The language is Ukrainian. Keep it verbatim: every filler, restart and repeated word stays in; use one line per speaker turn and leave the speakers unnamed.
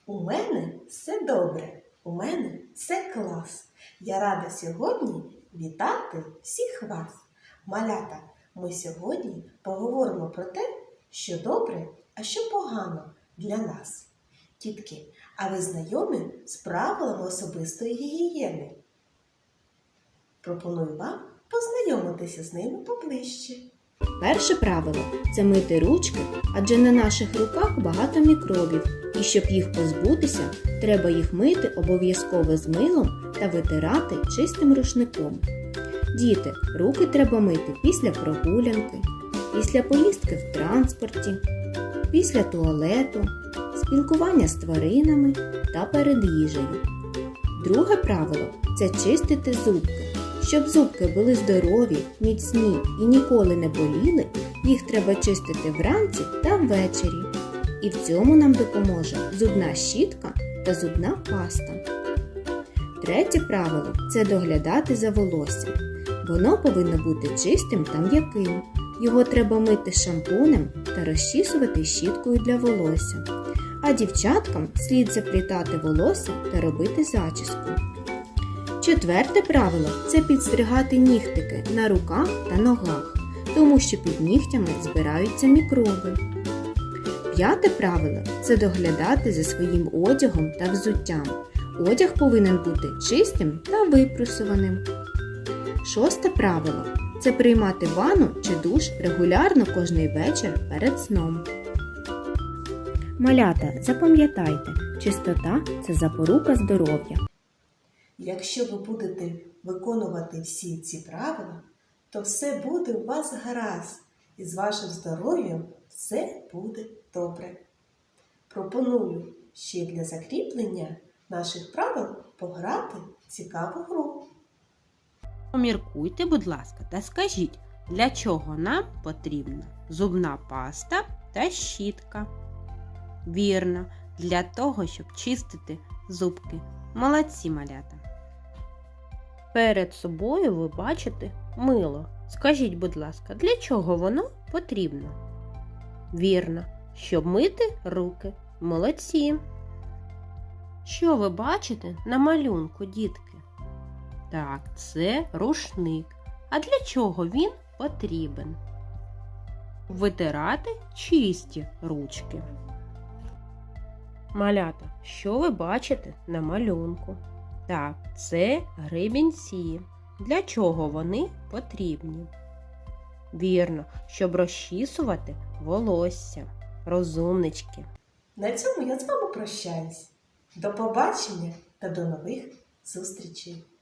У мене все добре, у мене все клас. Я рада сьогодні вітати всіх вас. Малята, ми сьогодні поговоримо про те, що добре, а що погано для нас. Дітки, а ви знайомі з правилами особистої гігієни? Пропоную вам познайомитися з ними поближче.
Перше правило – це мити ручки, адже на наших руках багато мікробів, і щоб їх позбутися, треба їх мити обов'язково з милом та витирати чистим рушником. Діти, руки треба мити після прогулянки, після поїздки в транспорті, після туалету, спілкування з тваринами та перед їжею. Друге правило – це чистити зубки. Щоб зубки були здорові, міцні і ніколи не боліли, їх треба чистити вранці та ввечері. І в цьому нам допоможе зубна щітка та зубна паста. Третє правило – це доглядати за волоссям. Воно повинно бути чистим та м'яким. Його треба мити шампунем та розчісувати щіткою для волосся. А дівчаткам слід заплітати волосся та робити зачіску. Четверте правило – це підстригати нігтики на руках та ногах, тому що під нігтями збираються мікроби. П'яте правило – це доглядати за своїм одягом та взуттям. Одяг повинен бути чистим та випрасуваним. Шосте правило – це приймати ванну чи душ регулярно кожний вечір перед сном. Малята, запам'ятайте, чистота – це запорука здоров'я.
Якщо ви будете виконувати всі ці правила, то все буде у вас гаразд, і з вашим здоров'ям все буде добре. Пропоную ще для закріплення наших правил пограти в цікаву гру.
Поміркуйте, будь ласка, та скажіть, для чого нам потрібна зубна паста та щітка? Вірно, для того, щоб чистити зубки. Молодці, малята! Перед собою ви бачите мило. Скажіть, будь ласка, для чого воно потрібно? Вірно, щоб мити руки. Молодці! Що ви бачите на малюнку, дітки? Так, це рушник. А для чого він потрібен? Витирати чисті ручки. Малята, що ви бачите на малюнку? Так, це гребінці. Для чого вони потрібні? Вірно, щоб розчісувати волосся. Розумнички.
На цьому я з вами прощаюсь. До побачення та до нових зустрічей!